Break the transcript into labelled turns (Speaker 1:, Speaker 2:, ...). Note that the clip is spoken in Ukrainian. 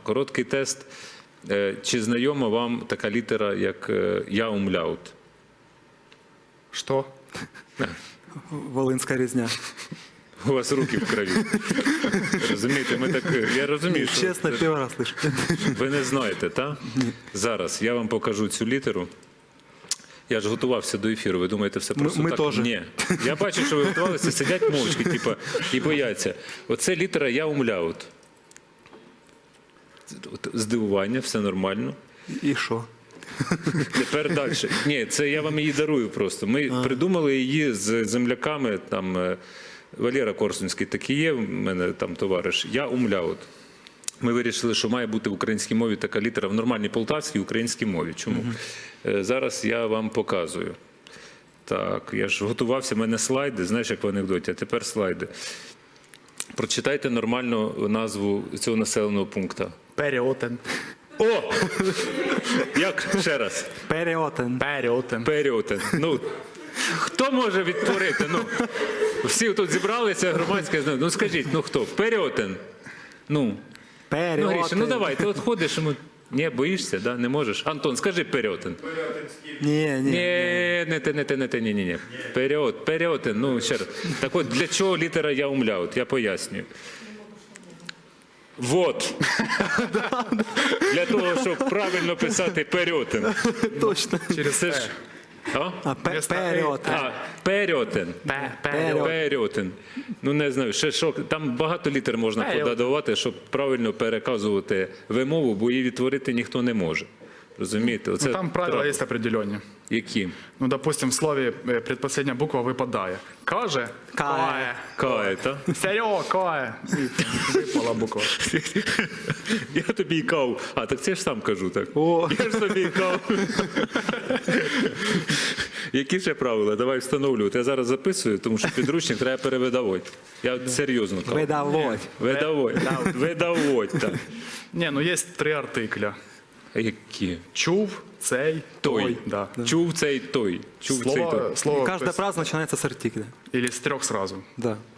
Speaker 1: Короткий тест. Чи знайома вам така літера, як «я умляут»?
Speaker 2: Что?
Speaker 3: Волинська різня.
Speaker 1: У вас руки в крові. Розумієте, ми так... Я розумію, що
Speaker 3: Чесно, перший раз слышу.
Speaker 1: ви не знаєте, так? Зараз я вам покажу цю літеру. Я ж готувався до ефіру, ви думаєте, все просто
Speaker 3: ми
Speaker 1: так?
Speaker 3: теж.
Speaker 1: Ні. Я бачу, що ви готувалися, сидять мовчки, типу, і бояться. Оце літера «я умляут». Здивування, все нормально.
Speaker 3: І що?
Speaker 1: Тепер далі. Ні, це я вам її дарую просто. Ми придумали її з земляками, там Валера Корсунський такий є, в мене там товариш, «я умляут». Ми вирішили, що має бути в українській мові така літера в нормальній полтавській українській мові. Чому? Зараз я вам показую. Так, я ж готувався, в мене слайди, знаєш, як в анекдоті, а тепер слайди. Прочитайте нормальну назву цього населеного пункту.
Speaker 2: Переотен.
Speaker 1: О! Як? Ще раз.
Speaker 3: Переотен.
Speaker 2: Переотен.
Speaker 1: Періотен. Ну, хто може відтворити? Ну, всі тут зібралися, громадське, ну скажіть, ну хто? Періотен. Ну,
Speaker 3: Переотен.
Speaker 1: Гріша, ну давай, ти от ходиш, ну, ні, боїшся, да? Не можеш? Антон, скажи періотен.
Speaker 3: Ні.
Speaker 1: Ні. Періотен, ну ще раз. Так от, для чого літера «я умляут»? Я пояснюю. Вот. Для того, щоб правильно писати періотен.
Speaker 3: Точно.
Speaker 1: Це ж... А?
Speaker 3: Переотен.
Speaker 1: Періотен. Періотен. Ну, не знаю, ще що, там багато літер можна подадувати, щоб правильно переказувати вимову, бо її відтворити ніхто не може. Розумієте? Оце
Speaker 2: Ну, там правила есть определенные.
Speaker 1: Які?
Speaker 2: Ну, допустим, в слове предпоследняя буква выпадает. Каже?
Speaker 3: Кае.
Speaker 1: Кає, так?
Speaker 2: Серега, кае. И выпала буква.
Speaker 1: Я тобі і кав. А, так це я ж сам кажу, так.
Speaker 3: О.
Speaker 1: Я ж тобі і кав. Які ще правила? Давай встановлювати. Я зараз записую, тому що підручник треба перевидавати. Я серйозно кажу.
Speaker 3: Видавать.
Speaker 1: Видавать, так.
Speaker 2: Не, ну есть 3 артикля.
Speaker 1: Які?
Speaker 2: Чув, цей,
Speaker 1: Той.
Speaker 2: Да.
Speaker 1: Чув цей той. Чув цей той.
Speaker 2: Слово
Speaker 3: Каждая фраза начинается с артикля.
Speaker 2: или с 3 сразу.
Speaker 3: Да.